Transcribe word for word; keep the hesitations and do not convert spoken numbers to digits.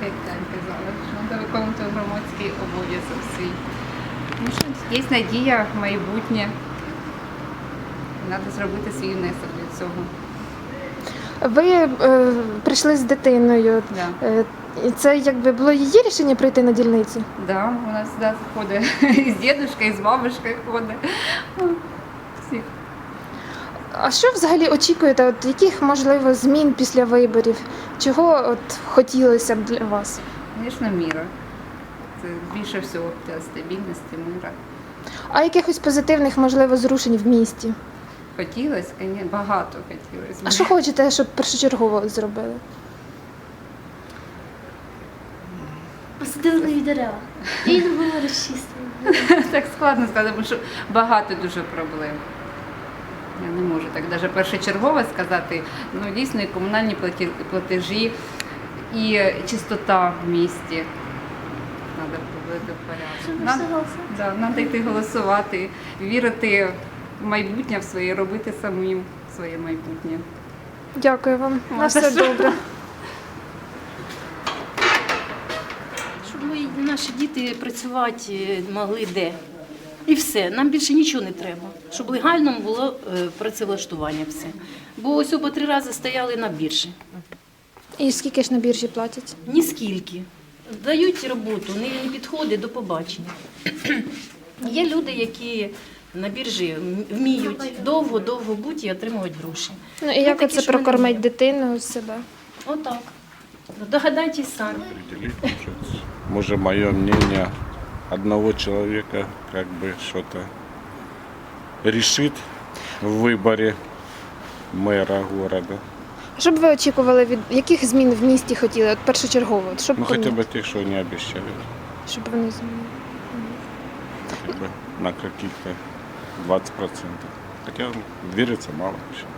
як Таня казала, що треба виконувати громадський обов'язок свій. Ну, що є надія, майбутнє. Треба зробити свій внесок для цього. Ви е, прийшли з дитиною. Да. Е, і це якби було її рішення прийти на дільницю? Да, у нас завжди ходить і з дідушкою, і з бабушкою ходить. Всіх. А що взагалі очікуєте? От яких можливо змін після виборів? Чого от хотілося б для вас? Звісно, міра. Це більше всього для стабільності, мира. А якихось позитивних можливо зрушень в місті? Хотілося, звісно, багато хотілося. А що хочете, щоб першочергово зробили? Посадили нові дерева. І не було розчистили. Так складно сказати, тому що багато дуже проблем. Я не можу так навіть першочергово сказати. Ну, дійсно, і комунальні платі- платежі, і чистота в місті. Треба привести в порядок. Щоб Надо- все голосувати. да, Треба йти голосувати, вірити в майбутнє в своє, робити самим своє майбутнє. Дякую вам. На Ладно, все що? добре. Щоб мої наші діти працювати могли де. І все, нам більше нічого не треба. Щоб легально було е, працевлаштування все. Бо ось по три рази стояли на біржі. І скільки ж на біржі платять? Ні скільки. Дають роботу, не, не підходить до побачення. Є люди, які на біржі вміють довго-довго бути і отримувати гроші. Ну і Ми як такі, оце що ми не прокормить вміємо. дитину себе? Отак. Догадайтесь самі. определить, получается. Может, мое мнение одного человека как бы что-то решит в выборе мэра города. Що б ви очікували від яких змін в місті хотіли? От першочергово, от щоб Ну, хотя поміняти? бы тех, что не обещают. Щоб вони змінили. Хотя бы на каких-то двадцать процентов. Хотя верится мало еще.